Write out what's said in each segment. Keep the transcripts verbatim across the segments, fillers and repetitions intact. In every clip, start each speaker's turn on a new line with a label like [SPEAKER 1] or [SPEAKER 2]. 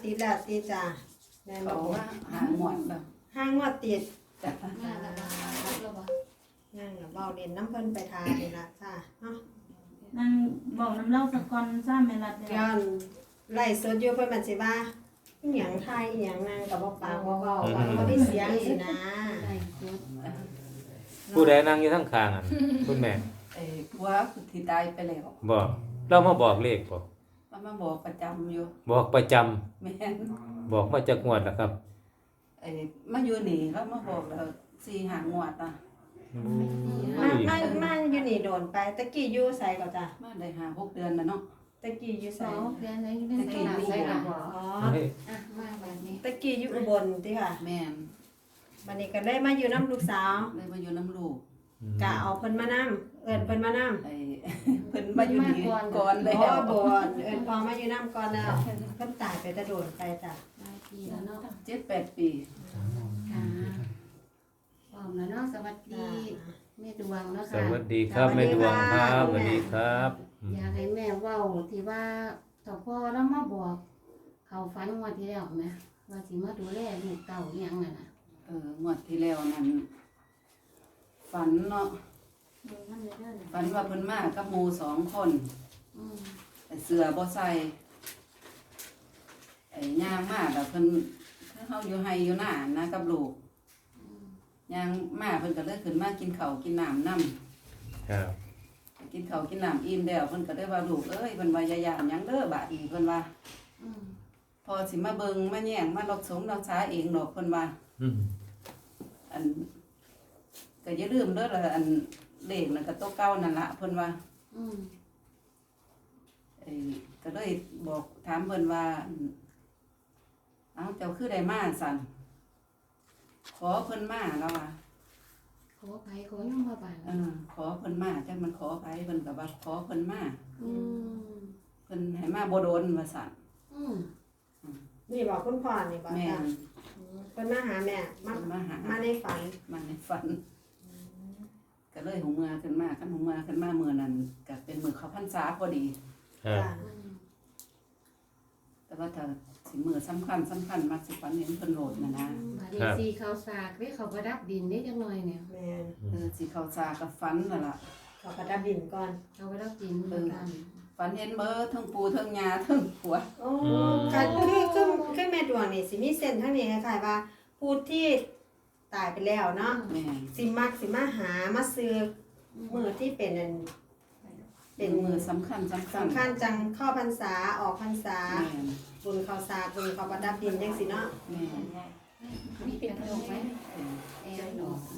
[SPEAKER 1] ติดแล้วติดจ้ะแม่น
[SPEAKER 2] เขา
[SPEAKER 1] บอก
[SPEAKER 2] ว่าหาหมวดแบบ
[SPEAKER 1] ห้างงวดติด
[SPEAKER 2] จ้ะ
[SPEAKER 3] มาแล้วบ่แล้วบ่
[SPEAKER 1] นั่งกับเบาเด่นน้ำเพิ่นไปทานนี่ละจ้ะเนาะ
[SPEAKER 4] นั่งบอกน้ำเล่าสักก่อนซ้ำแม่รัดเด้
[SPEAKER 1] ย้อนไล่สดอยู่เพิ่นมันสิว่าอีหยังไทยอีหยังนางกับบ่ปากบ่เว้าว่าบ่ได้เสียงสินะ
[SPEAKER 3] ได้สุด
[SPEAKER 5] ผู้ใดนั่งอยู่ทั้งข้างอ่ะ คุณแม่
[SPEAKER 2] ไอ้ผัวที่ตายไปแล้ว
[SPEAKER 5] บอกเรามาบอกเลขบ่
[SPEAKER 2] มันมาบอกประจำอยู่
[SPEAKER 5] บอกประจำ
[SPEAKER 2] แม่น
[SPEAKER 5] บอกมาจากงวดแล้วครับ
[SPEAKER 2] ไอ้มาอยู่นี่แล้วมาบอกแล้วสี่หางวดอ่ะ
[SPEAKER 1] มามามาอยู่นี่โดนไปตะกี้อยู่ไสก็จ้ะ
[SPEAKER 2] มาได้หาหกเดือนแล้วเนาะ
[SPEAKER 1] ตะกี้อยู่ไส
[SPEAKER 3] สองเดือนแล้วยังได้ใส่หน้าใส่หลัง
[SPEAKER 1] อ๋อ
[SPEAKER 5] เฮ้ย
[SPEAKER 3] อ่ะมาแบบนี้
[SPEAKER 1] ตะกี้อยู่อุบลติค่ะ
[SPEAKER 2] แม่น
[SPEAKER 1] บัดนี้ก็เลยมาอยู่น้ำลูกสาว
[SPEAKER 2] เลยมาอยู่น้ำลูก
[SPEAKER 1] กะเอาเพิ่นมานํเอิ้นเพิ่นมานํ
[SPEAKER 2] ไอ้ เพิ่นมาอยู่นี่ก่อน
[SPEAKER 1] อ๋
[SPEAKER 2] แล้
[SPEAKER 1] อ
[SPEAKER 2] ว
[SPEAKER 1] บ่เอิ้นพอมาอยู่นํก่อนแล้วเพิ่นตายไปแต่โดนไปจ้ะ
[SPEAKER 3] หลายปีแล้วเนาะ
[SPEAKER 2] เจ็ดแปดปี
[SPEAKER 3] ค่ะพร้อมแล้วเนาะสวัสดีแม่ดวงเนาะ
[SPEAKER 5] ส
[SPEAKER 3] ค่ะ
[SPEAKER 5] วัสดีครับแม่ดวงครับสวัสดีครับอืม
[SPEAKER 3] อยากให้แม่เว้าที่ว่าถ้าพ่อแล้วมาบอกเขาฝันงวดที่แล้วแม่ว่าสิมาดูแลลูกเต้าอีหยังนั่นน่ะ
[SPEAKER 2] เอองวดที่แล้วนั้นฝันเนาะ
[SPEAKER 3] ดูมันเลยเด้อ
[SPEAKER 2] ฝันว่าเพิ่นมากับหมู่สองคน
[SPEAKER 3] อืม
[SPEAKER 2] ไอ้เสือบ่ใส่ไอ้ย่างมาแล้วเพิ่นคือเฮาอยู่ไห้อยู่หน้านะกับลูก
[SPEAKER 3] อืม
[SPEAKER 2] ย่างมาเพิ่นก็เลยขึ้นมากินข้าวกินน้ำนำ
[SPEAKER 5] ครับ
[SPEAKER 2] กินข้าวกินน้ำอิ่มแล้วเพิ่นก็ได้ว่าลูกเอ้ยเพิ่นว่าอย่าย่านหยังเด้อบาดอีเพิ่นว่า
[SPEAKER 3] อืม
[SPEAKER 2] พอสิมาเบิ่งมาแย่งมารักสมรักษาเองดอกเพิ่นว่า
[SPEAKER 5] อืม
[SPEAKER 2] อันก็อย่าลืมเด้อละอันเลขนั่นก็ตัวเก่านั่นล่ะเพิ่นว่า
[SPEAKER 3] อืม
[SPEAKER 2] ไอ้ก็เลยบอกถามเพิ่นว่าอั่นเอ้าเจ้าคือได้มาสั่นขอเพิ่นมาแล้วว่า
[SPEAKER 3] ขอไปขอย่อมมาบ้าน
[SPEAKER 2] เออขอเพิ่นมาจักมันขอไผเพิ่นก็ว่าขอเพิ่นมา
[SPEAKER 3] อืม
[SPEAKER 2] เพิ่นให้มาบ่โดนว่าสั่น
[SPEAKER 3] อืม
[SPEAKER 1] นี่บอกคุณพ่อนี่บอก
[SPEAKER 2] แม่
[SPEAKER 1] จ้ะ
[SPEAKER 2] น
[SPEAKER 1] อืมเพิ่นมาหาแม่มา
[SPEAKER 2] เพิ่นมาหา
[SPEAKER 1] มาในฝัน
[SPEAKER 2] มาในฝันก็เลยหูเมื่อขึ้นมาคันหูเมื่อขึ้นมามื้อนั้นก็เป็นมื้อเข้าพรรษาพอดี
[SPEAKER 5] ครับ
[SPEAKER 1] จ้ะ
[SPEAKER 3] อืม
[SPEAKER 2] แต่ว่าถ้าสิมื้อสำคัญสำคัญมักสิฝันเห็นเพิ่นโหลดน่ะนะ
[SPEAKER 3] บัดนี้สีเขาสากเด้เขาประดับดินได้จังหน่อยเนี่ย
[SPEAKER 1] แม่น
[SPEAKER 2] เออสิเข้าซากับฝันนั่นล่ะ
[SPEAKER 1] เขาประดับดินก่อน
[SPEAKER 3] เขาประดับดินเหมือนกัน
[SPEAKER 2] ฝันเห็นเบิดทั้งปู่ทั้งย่าทั้งผัว
[SPEAKER 1] โอ้ค่ะคือคือคือแม่ดวงนี่สิมีเส้นทั้งนี้คล้ายๆว่าผู้ที่ตายไปแล้วเนาะ
[SPEAKER 2] แม่น
[SPEAKER 1] สิมักสิมาหามาซื้อมือที่เป็นอัน
[SPEAKER 2] เป็นมื้อสำคัญสำคัญ
[SPEAKER 1] สำคัญจังเข้าพรรษาออกพรรษา
[SPEAKER 2] แม่น
[SPEAKER 1] บุญข้าวสากบุญข้าวประดับดินจังสิเนาะ
[SPEAKER 2] แม่น
[SPEAKER 3] มีเป็นขนมไหม
[SPEAKER 2] เออ
[SPEAKER 3] แอนดอก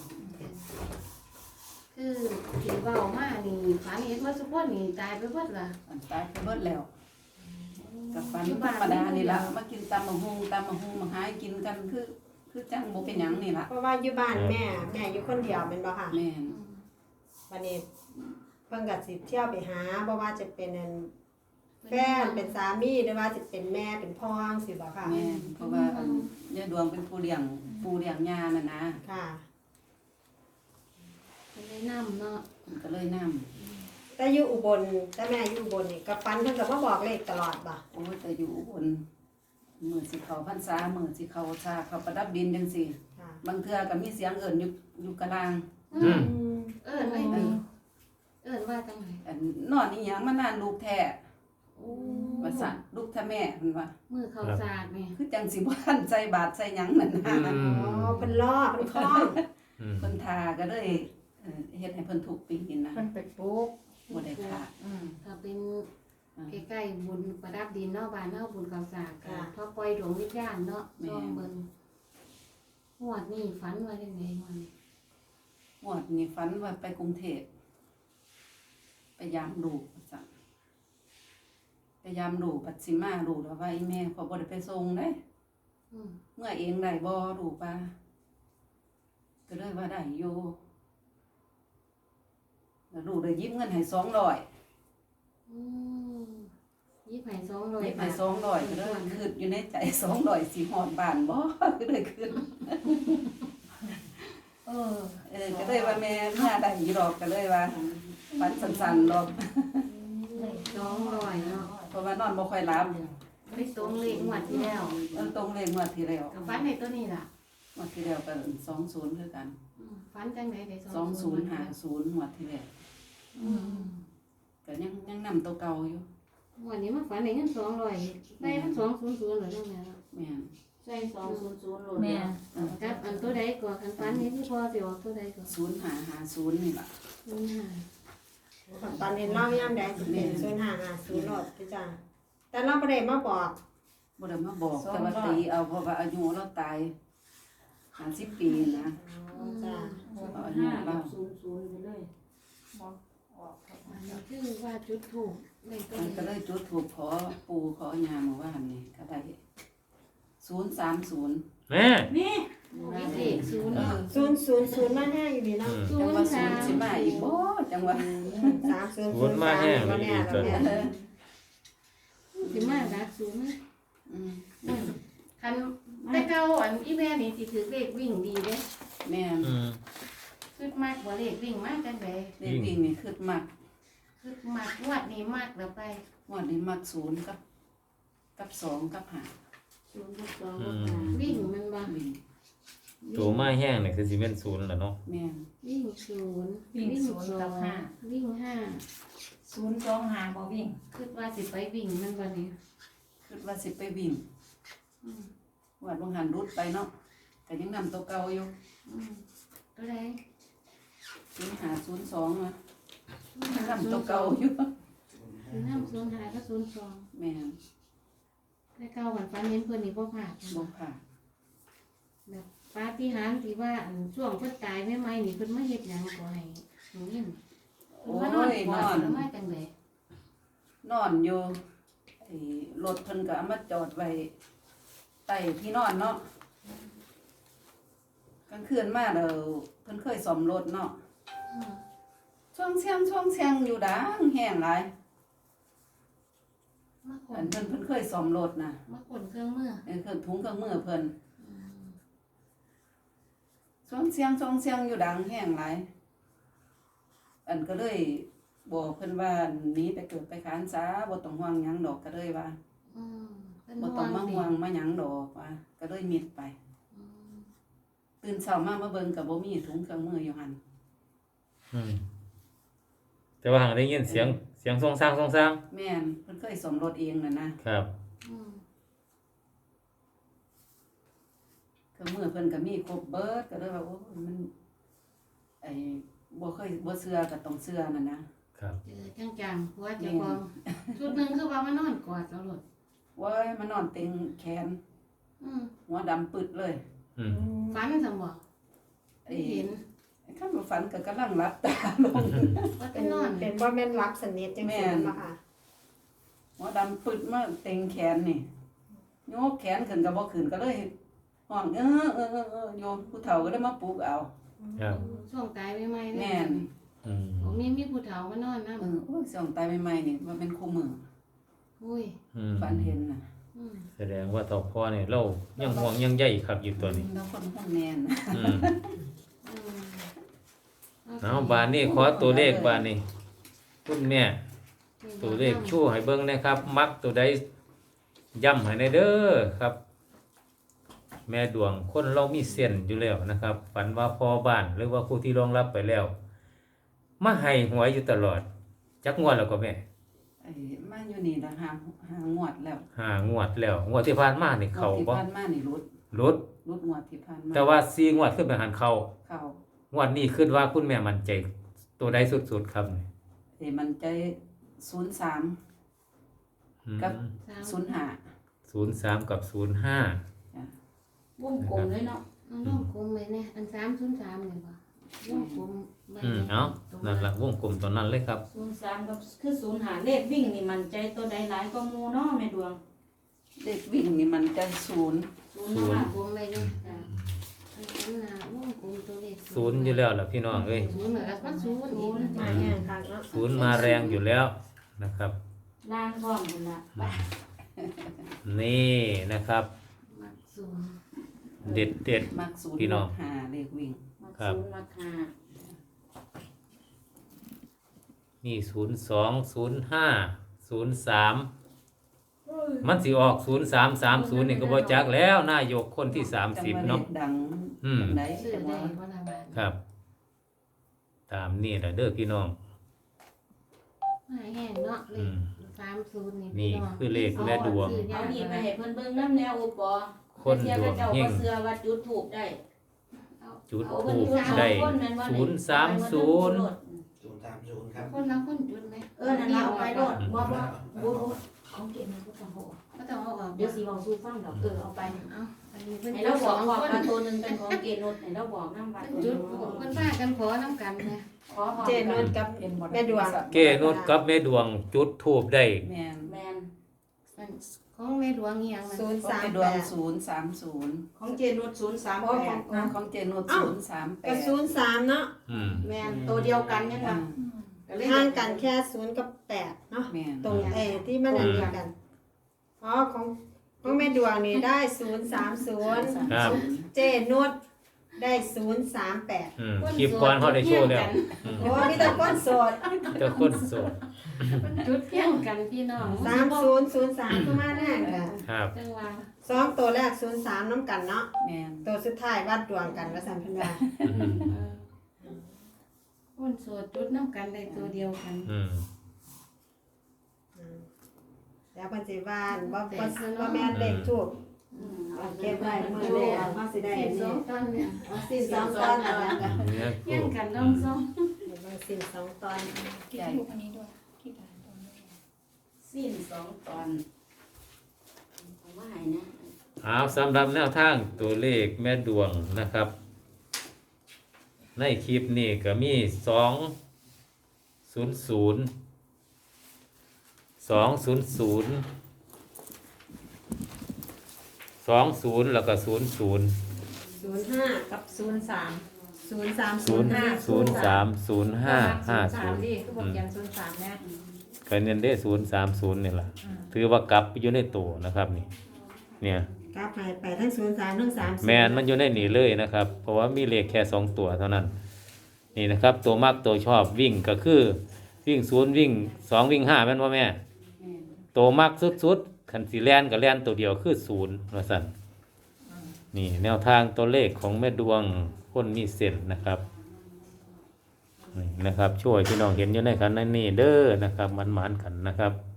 [SPEAKER 3] คือผีเบามานี่ฝันเห็นว่าสุกคนนี่ตายไปเบิดล่ะ
[SPEAKER 2] อันตายไปเบิดแล้วกับฝันธรรมดานี่ล่ะมากินตำมะฮุงตำมะฮุงมาหายกินกันคือ คือจังบ่เป็นหยังนี่ล่ะ
[SPEAKER 1] เพราะว่าอยู่บ้านแม่แม่อยู่คนเดียวเป็นบ่ค่ะ
[SPEAKER 2] แม่น
[SPEAKER 1] วันนี้เพิ่งกัดสิเที่ยวไปหาบ่ว่าจะเป็นอันแฟนเป็นสามีหรือว่าจะเป็นแม่เป็นพ่อสิบ่ค่ะ
[SPEAKER 2] แม่นเพราะว่าอันยายดวงเป็นผู้เลี้ยงผู้เลี้ยงย่าน่ะนะ
[SPEAKER 1] ค่ะ
[SPEAKER 3] เป็นได้น้ำเนาะ
[SPEAKER 2] มันก็เลยนำ
[SPEAKER 1] แต่อยู่อุบลแต่แม่อยู่อุบลนี่กับฟันเพิ่นก็มาบอกเลขตลอดบ่
[SPEAKER 2] โอ้ยแต่อยู่บนมื้อสิเข้าพรรษามื้อสิเข้าชาเข้าประดับดินจังซี่
[SPEAKER 1] ค่ะ
[SPEAKER 2] บางเทื่อก็มีเสียงเอิ้นอยู่อยู่กลาง
[SPEAKER 5] อืม
[SPEAKER 3] เอิ้นไว้ไหมเอิ้นว่าจังไหน
[SPEAKER 2] อันนอนอีหยังมานานลูกแท้
[SPEAKER 3] โอ้
[SPEAKER 2] ว่าสั่นลูกแท้แม่เพิ่นว่า
[SPEAKER 3] มือเขาสากนี่
[SPEAKER 2] คือจังสิบ่ทันใส่บาตรใส่หยังนั่นนะ
[SPEAKER 5] อืม
[SPEAKER 1] อ๋อเพิ่นล่อเพิ่นคล้อง
[SPEAKER 5] อืม
[SPEAKER 2] เพิ่นทาก็เลยเอ่อเฮ็ดให้เพิ่นถูกปีนนะ
[SPEAKER 1] เพิ่นไปปลูก
[SPEAKER 2] บ่ได้ขาด
[SPEAKER 1] อืม
[SPEAKER 3] ถ้าเป็นใกล้ๆบุญประดับดินเนาะบ้านเฮาบุญเขาสากก็พอปล่อยดวงวิญญาณเนาะลองเบิ่งงวดนี้ฝันว่าจังได๋งวดนี้
[SPEAKER 2] งวดนี้ฝันว่าไปกรุงเทพไปยามลูกว่าซั่นไปยามลูกปัดสิมาลูกแล้วว่าอีแม่ขอบ่ได้ไปส่งเด้
[SPEAKER 3] อืม
[SPEAKER 2] เมื่อเองได้บ่ลูกป่าก็เลยว่าได้อยู่แล้วลูกได้ยืมเงินให้สองร้อย
[SPEAKER 3] อืมยี่ไผ่สองร้อย
[SPEAKER 2] ยืมให้สองร้อยก็เลยคิดอยู่ในใจสองร้อยสิฮอดบ้านบ่ก็เลยคิด
[SPEAKER 3] เออ
[SPEAKER 2] เออก็เลยว่าแม่เมื่อได้อยู่ดอกก็เลยว่าฝันสั้นๆดอก
[SPEAKER 3] สองร้อยเนาะ
[SPEAKER 2] เพราะว่านอนบ่ค่อยหลับ
[SPEAKER 3] ไปตรงเลขงวดที่แล้ว
[SPEAKER 2] เออตรงเลขงวดที่แล้ว
[SPEAKER 3] กับฟันในตัวนี้ล่ะ
[SPEAKER 2] งวดที่แล้วก็สองศูนย์คือกัน
[SPEAKER 3] อืมฟันจังไหนได้
[SPEAKER 2] สองศูนย์ห้าศูนย์งวดที่แล้ว
[SPEAKER 3] อืม
[SPEAKER 2] ก็ยังยังนำตัวเก่าอยู่
[SPEAKER 3] วันนี้มาฝันได้เงินสองร้อยได้มันสองศูนย์ศูนย์เหรอจังไงล่ะ
[SPEAKER 2] แม่น
[SPEAKER 3] ใส่สองศูนย์ศูนย์โหลด
[SPEAKER 4] แม่
[SPEAKER 2] เออ
[SPEAKER 3] ครับอันตัวใดก่อนคันฟันนี้ที่พ่อสิออกตัวใดก่อน
[SPEAKER 2] ศูนย์ห้าห้าศูนย์นี่ล่ะ
[SPEAKER 3] ศูนย์ห้า
[SPEAKER 1] ตอนเห็นเล่าย่ำใดสิเป็นศูนย์ห้าห้าศูนย์โลดพี่จ้าแต่เราบ่ได้มาบอก
[SPEAKER 2] บ่ได้มาบอกแต่ว่าตีเอาเพราะว่าอายุเราตายห้าสิบปีนะ
[SPEAKER 1] อ๋อจ้า
[SPEAKER 2] เอาอายุเรา
[SPEAKER 4] ศูนย์ศูนย์ไปเลย
[SPEAKER 3] อันนี้คือว่าจุดถูกเลขตัว
[SPEAKER 2] มันก็
[SPEAKER 3] นี้
[SPEAKER 2] เลยจุดถูกขอปู่ขอยาเมื่อวานนี่ก็ได้ศูนย์สามศูนย์
[SPEAKER 5] แม่
[SPEAKER 4] นี่
[SPEAKER 3] มีเลขศูนย์
[SPEAKER 2] เออ
[SPEAKER 1] ศูนย์ศูนย์ศูนย์มาห้าอยู่ดีเนาะ
[SPEAKER 5] อืม
[SPEAKER 3] ศู
[SPEAKER 2] จัง
[SPEAKER 3] น
[SPEAKER 2] ว่า
[SPEAKER 3] ย์
[SPEAKER 2] ศู
[SPEAKER 3] สาน ม
[SPEAKER 2] ย์สิมาอีกบ่จังว่า
[SPEAKER 1] สามศูนย์
[SPEAKER 5] ศู
[SPEAKER 1] ศู
[SPEAKER 5] น
[SPEAKER 1] น
[SPEAKER 5] ย์
[SPEAKER 1] ย์
[SPEAKER 5] มา
[SPEAKER 1] สาม
[SPEAKER 5] แห้ง
[SPEAKER 1] มาแน่
[SPEAKER 5] อีก
[SPEAKER 1] แล้ว
[SPEAKER 5] แล้ว
[SPEAKER 1] เนี่ย
[SPEAKER 3] สิมาดักศูนย์นะ
[SPEAKER 2] อืม
[SPEAKER 3] คันแต่เก่าอันอีแม่นี่สิถือเลขวิ่งดีเด้
[SPEAKER 2] แม่น
[SPEAKER 5] อืม
[SPEAKER 3] คือมากกว่าเลขวิ่งมากจังได
[SPEAKER 2] เลขวิ่งนี่คือมัก
[SPEAKER 3] คือมากงวดนี้มากแล้วไป
[SPEAKER 2] งวดนี้มักศูนย์กับกับสองกับห้า
[SPEAKER 3] ศูนย์กับสอง
[SPEAKER 5] อื
[SPEAKER 3] กับ
[SPEAKER 5] ม
[SPEAKER 3] ห้าวิ่งมันบ่
[SPEAKER 2] วิ่ง
[SPEAKER 5] ตัวมาแห้งนี่คือสิเป็นศูนย์ล่ะเนาะ
[SPEAKER 2] แม่น
[SPEAKER 3] วิ่งศูนย์
[SPEAKER 4] วิ่งศูนย์กับห้า
[SPEAKER 3] วิ่งห้า
[SPEAKER 4] ศูนย์สองห้าบ่วิ่ง
[SPEAKER 3] คิดว่าสิไปวิ่งมันวันนี้
[SPEAKER 2] คิดว่าสิไปวิ่ง
[SPEAKER 3] อืม
[SPEAKER 2] วัดบางหันรุดไปเนาะแต่ยังนำตัวเก่าอยู่
[SPEAKER 3] อืมตัวใด
[SPEAKER 2] ศูนย์ห้าศูนย์สองนะยังนำตัวเก่าอยู่
[SPEAKER 3] ศูนย์ห้าศูนย์ห้าก็ศูนย์สอง
[SPEAKER 2] แม่น
[SPEAKER 3] แต่เก่าวันฟันเห็นเพิ่นนี่บ่พลาด
[SPEAKER 2] บ่ผ่า
[SPEAKER 3] แบบปาฏิหาริย์ที่ว่าอันช่วงเพิ่นตายใหม่ๆนี่เพิ่นมาเฮ็ดหยังก็ให้หนูยิน
[SPEAKER 2] โอ้
[SPEAKER 3] เพิ่นมานอน
[SPEAKER 2] ย
[SPEAKER 3] ก
[SPEAKER 2] น
[SPEAKER 3] อ
[SPEAKER 2] อ
[SPEAKER 3] ด
[SPEAKER 2] น
[SPEAKER 3] แล้วมาจังได๋
[SPEAKER 2] นอนอยู่ไอ้รถเพิ่นก็เอามาจอดไว้ใต้ที่นอนเนาะกลางคืนมาเด้อเพิ่นเคยซ่อมรถเนาะ
[SPEAKER 3] อืม
[SPEAKER 2] ช่วงเชียงช่วงเชียงอยู่ดังแห้งหลาย
[SPEAKER 3] มาข
[SPEAKER 2] อั
[SPEAKER 3] น
[SPEAKER 2] นเพิ่นเพิ่นเคยซ่อมรถน่ะ
[SPEAKER 3] มาขนเครื่องมือ
[SPEAKER 2] เออเครื่องถุงเครื่องมือเพิ่น
[SPEAKER 3] อืม
[SPEAKER 2] ช่วงเชียงช่วงเชียงอยู่ดังแห้งหลายอันก็เลยบอกเพิ่นว่าหนีไปเกิดไปขานซาบ่ต้องห่วงหยังดอกก็เลยว่า
[SPEAKER 3] อืมเพิ่น
[SPEAKER 2] บ่ต้องมาห่วงมาหยังดอกว่าก็เลยมิดไป
[SPEAKER 3] อืม
[SPEAKER 2] ตื่นเช้ามามาเบิ่งก็บ่มีถุงเครื่องมืออยู่หั่น
[SPEAKER 5] อืมแต่ว่าหางได้ยินเสียงเสียงทรงสร้างทรงสร้าง
[SPEAKER 2] แม่นเพิ่นเคยซ่อมรถเองน่ะนะครับ
[SPEAKER 3] อืม
[SPEAKER 2] เครื่องมือเพิ่นก็มีครบเบิดก็เลยว่าโอ้มันไอ้บ่เคยบ่เชื่อก็ต้องเชื่อนั่นนะครับ
[SPEAKER 3] เจอจังๆหัวเจ้าของชุดหนึงคือว่ามานอนกอดเอาโลด
[SPEAKER 2] โว้ยมานอนเต็งแขน
[SPEAKER 3] อืม
[SPEAKER 2] หัวดำปึดเลย
[SPEAKER 5] อืม
[SPEAKER 3] ฝันซั่นบ่
[SPEAKER 2] ไอ้
[SPEAKER 3] เห็น
[SPEAKER 2] ไอ้คันบ่ฝันก็กำลังหลับตาลง
[SPEAKER 3] ว่า
[SPEAKER 1] เป็
[SPEAKER 3] จะ
[SPEAKER 1] น
[SPEAKER 3] นอน
[SPEAKER 1] เป็นบ่แม่นรับสนิทจังซี่บ่ค่ะ
[SPEAKER 2] หัวดำปึดมาเต็งแขนนี่โยกแขนขึ้นก็บ่ขึ้นก็เลยห้องเออเออเออเออโยมผู้เฒ่าก็ได้มาปลุกเอา
[SPEAKER 5] ครับ
[SPEAKER 3] ช่วงตายใหม่ๆ
[SPEAKER 2] แม่น
[SPEAKER 5] อืม
[SPEAKER 3] โอ้มีมีผู้เฒ่ามานอนนำ
[SPEAKER 2] เออโอ้ยส่องตายใหม่ๆนี่มันเป็นคู่มือ
[SPEAKER 3] อุ้ย
[SPEAKER 5] อืม
[SPEAKER 2] ฝันเห็นน่ะ
[SPEAKER 3] อืม
[SPEAKER 5] แสดงว่าต่อพ่อนี่เรายังห่วงยังใยครับอยู่ตัวนี้
[SPEAKER 2] แล้วคนห้องแน่น
[SPEAKER 5] อืม
[SPEAKER 3] อืม
[SPEAKER 5] เอาบานนี้ขอตัวเลขบานนี้คุณแม่ตัวเลขชู้ให้เบิ่งนะครับ มักตัวใดย้ำให้ในเด้อครับ แม่ดวงคนเรามีเส้นอยู่แล้วนะครับ ฝันว่าพอบ้านหรือว่าผู้ที่รองรับไปแล้ว มาให้หวยอยู่ตลอด จักงวดแล้วก็แม่
[SPEAKER 2] ไอ้มาอยู่นี่ละหางหางงวดแล้ว
[SPEAKER 5] ห้างวดแล้ว งวดที่ผ่านมานี่เขา
[SPEAKER 2] งวดที่
[SPEAKER 5] บ่
[SPEAKER 2] ผ่านมานี่รุด
[SPEAKER 5] รุด
[SPEAKER 2] รุดงวดที่ผ่านมา
[SPEAKER 5] แต่ว่าสี่งวดขึ้นไปหันเขา
[SPEAKER 2] เข้าง
[SPEAKER 5] วดนี้คิดว่าคุณแม่มั่นใจตัวใดสุดๆครับนี่
[SPEAKER 2] ไอ้มันใจศูนย์สาม
[SPEAKER 5] อืม
[SPEAKER 2] กับ
[SPEAKER 3] สาม
[SPEAKER 2] ศูนย์ห้า
[SPEAKER 5] ศูนย์สามกับศูนย์ห้า
[SPEAKER 4] วงกลมเลยเนาะ
[SPEAKER 3] เอาวงกลมไว้แน่อันสามศูนย์สามนี่บ่วงกลมไว้
[SPEAKER 5] อืม
[SPEAKER 3] แน่
[SPEAKER 5] เอานั่นละวงกลมตัวนั้นเลยครับ
[SPEAKER 4] ศูนย์สามกับคือศูนย์หาเลขวิ่งนี่มันใจตัวใดหลายก็มูเนาะแม่ดวง
[SPEAKER 2] เด็กวิ่งนี่มันใจศูนย์
[SPEAKER 4] ศูนย์
[SPEAKER 5] ศูนย์
[SPEAKER 4] ห้า
[SPEAKER 3] วงกลมไว้แน่จ้ะอันนั้นน่ะวงกลมตัวเลข
[SPEAKER 5] ศูนย์อยู่แล้วล่ะพี่น้องเอ้ย
[SPEAKER 3] ศูนย์เหมือนกับว่าศูนย์อีกนะ
[SPEAKER 1] มาแห้งคักเนาะ
[SPEAKER 5] ศูนย์มาแรงอยู่แล้วนะครับ
[SPEAKER 4] ล่างพร้อมกันละไป
[SPEAKER 5] นี่นะครับ
[SPEAKER 3] มักศูนย์
[SPEAKER 5] เด็ดเด็ด
[SPEAKER 2] มักศูนย์
[SPEAKER 5] พี่น้อง
[SPEAKER 2] มักห้าเด็กวิ่ง
[SPEAKER 4] มา
[SPEAKER 5] ครับ
[SPEAKER 4] ศูนย์มาหา
[SPEAKER 5] นี่ศูนย์สองศูนย์ห้าศูนย์สามมันสิออกศูนย์สามสามศูนย์นี่ก็บ่จักแล้วนายกคนที่สามสิบ
[SPEAKER 2] จังว่
[SPEAKER 5] เนาะ
[SPEAKER 2] ลขดัง
[SPEAKER 5] อืม
[SPEAKER 2] จังได
[SPEAKER 3] ซื้อ
[SPEAKER 2] จัง
[SPEAKER 3] ได้
[SPEAKER 2] ว่า
[SPEAKER 3] บ่ล่ะบาด
[SPEAKER 5] ครับ ตามนี่แหละเด้อพี่น้อง
[SPEAKER 3] มาแห้งเนาะเล
[SPEAKER 5] อื
[SPEAKER 3] ข
[SPEAKER 5] ม
[SPEAKER 3] สามศูนย์นี่
[SPEAKER 5] นี่
[SPEAKER 3] พี่น้อง
[SPEAKER 5] คือเลขแม่ดวง
[SPEAKER 4] เอานี่ไปให้เพิ่นเบิ่งน้ำแนวอุปอ
[SPEAKER 5] คนดวง
[SPEAKER 4] เจ้า
[SPEAKER 5] เฮ
[SPEAKER 4] ก็
[SPEAKER 5] ง
[SPEAKER 4] เสื้อว่าจุดถูกได้
[SPEAKER 5] จุด
[SPEAKER 4] เอา
[SPEAKER 5] ทู
[SPEAKER 4] เพิ่น
[SPEAKER 5] บ
[SPEAKER 4] จุด
[SPEAKER 5] ได้
[SPEAKER 4] คนนั้นว่า
[SPEAKER 5] ศูนย์สามศูนย์
[SPEAKER 6] ศูนย์สามศูนย์ครับ
[SPEAKER 3] คนละคนจุดไหม
[SPEAKER 4] เออนั่นล่ะเอาไปโลดบ่บ่บ่บ่ของเก็บมันก็ต้องเอาออก
[SPEAKER 3] ก็ต้องเอาออก
[SPEAKER 4] เดี๋ยวสิเว้าสู่ฟังดอกเออเอาไป
[SPEAKER 3] เอาอันนี้เพิ่น
[SPEAKER 4] ให้
[SPEAKER 3] จุ
[SPEAKER 4] เรา
[SPEAKER 3] ด
[SPEAKER 4] บ
[SPEAKER 3] ส
[SPEAKER 4] อ
[SPEAKER 3] อก ง
[SPEAKER 4] ว่า
[SPEAKER 3] คน
[SPEAKER 4] ว่าตัวหนึงเป็นของเกณฑ์นุชให้เราบอกนำว่า
[SPEAKER 3] เพิ่นจุดเพิ่นพากันขอน้ำกันนะ
[SPEAKER 4] ขอพร้อม
[SPEAKER 1] เจนุชกับ
[SPEAKER 2] เห็นบ่
[SPEAKER 1] แม่ดวง
[SPEAKER 5] เก้นุชกับแม่ดวงจุดทูบได้
[SPEAKER 2] แม่น
[SPEAKER 4] แม่น
[SPEAKER 3] มันของแม่หลวงอีหยังนั่น
[SPEAKER 1] ศูนย์
[SPEAKER 2] ของ
[SPEAKER 1] สาม
[SPEAKER 2] แม่ด
[SPEAKER 1] แป
[SPEAKER 2] วง
[SPEAKER 1] ด
[SPEAKER 2] ศูนย์สามศูนย์
[SPEAKER 4] ของเจนุชศูนย์สาม
[SPEAKER 1] โอ้
[SPEAKER 4] แป
[SPEAKER 1] ขอ
[SPEAKER 4] ด
[SPEAKER 1] ง
[SPEAKER 2] ของเจนุช
[SPEAKER 1] เอ้า
[SPEAKER 2] ศูนย์สามแป
[SPEAKER 1] ก็
[SPEAKER 2] ด
[SPEAKER 1] ศูนย์สามเนาะ
[SPEAKER 5] อืม
[SPEAKER 4] แม่นตัวเดียวกันยังว่าก็เลย
[SPEAKER 1] ห่างกันแค่ศูนย์กับแปดเนาะ
[SPEAKER 2] แม่น
[SPEAKER 1] ตรงเอที่มันอันเดียวกันอ๋อของของแม่ดวงนี่ได้ศูนย์สามศูนย์
[SPEAKER 5] ครับ
[SPEAKER 1] เจนุชได้ศูนย์สามแปด
[SPEAKER 5] อืมคลิปก่อนเขาได้โชว์แล้วอืม
[SPEAKER 1] โอ้มีแต่คนโสด
[SPEAKER 5] เจ้าคนโสด
[SPEAKER 3] เพิ่นจุดเพียงกันพี่น้อง
[SPEAKER 1] สามศูนย์ศูนย์สามเข้ามาแน่ค่ะ
[SPEAKER 5] ครับ
[SPEAKER 3] จังว่า
[SPEAKER 1] สองตัวแรกศูนย์สามน้ำกันเนาะ
[SPEAKER 2] แม่น
[SPEAKER 1] ตัวสุดท้ายวัดดวงกันว่าสัมพันธ์ว่า
[SPEAKER 5] อืม
[SPEAKER 3] เออคนโสดจุดน้ำกันได้ตัวเดียวกัน
[SPEAKER 5] อืม
[SPEAKER 1] แล้วเพิ่นสิว่าบ่บ่บ่แม่นเลขทูบ
[SPEAKER 4] อืม
[SPEAKER 1] เอาเก็บไว้มื้อนี้เอามาสิได้
[SPEAKER 3] สิ
[SPEAKER 1] อั
[SPEAKER 3] บ
[SPEAKER 1] น
[SPEAKER 3] สอ
[SPEAKER 1] นี้
[SPEAKER 3] งตอนเนี่ย
[SPEAKER 1] เอาสิ้นสองตอนนั่นแหละค่ะ
[SPEAKER 5] เนี่ย
[SPEAKER 3] เพียง
[SPEAKER 5] ทูบ
[SPEAKER 3] กันน้องสอง
[SPEAKER 1] เดี๋ยวมาสิ้นสองตอน
[SPEAKER 2] ใหญ่
[SPEAKER 4] สิ้นสองตอนผมว่าให้นะ
[SPEAKER 5] เอาสำหรับแนวทางตัวเลขแม่ดวงนะครับ ในคลิปนี้ก็มีสองศูนย์ศูนย์สองศูนย์ศูนย์สองศูนย์แล้วก็ศูนย์ศูนย์
[SPEAKER 1] ศูนย์ห้ากับศูนย์สามศูนย์สาม
[SPEAKER 5] ศูนย์
[SPEAKER 1] ห้า
[SPEAKER 5] ศูนย์สามศูนย์ห้าห้าศูนย์
[SPEAKER 3] ดิคือบอกอย่างศูนย์สามนะ
[SPEAKER 5] ก็เน้นได้ศูนย์สามศูนย์นี่แหละถือว่ากลับอยู่ในตัวนะครับนี่เนี่ย
[SPEAKER 1] กลับไปไปทั้งศูนย์สามทั้งสาม
[SPEAKER 5] แมนมันอยู่ในนี่เลยนะครับ เพราะว่ามีเลขแค่สองตัวเท่านั้น นี่นะครับ ตัวมากตัวชอบวิ่งก็คือวิ่งศูนย์วิ่งสองวิ่งห้าแม่นว่าแม่
[SPEAKER 2] แม่น
[SPEAKER 5] ตัวมากสุดๆขันสีแลนกับแลนตัวเดียวคือศูนย์ว่าสั่นนี่แนวทางตัวเลขของแม่ดวงคนมีเส้นนะครับนี่นะครับ ช่วยพี่น้องเห็นอยู่ในขันในนี่เด้อนะครับมันหมานๆกันนะครับ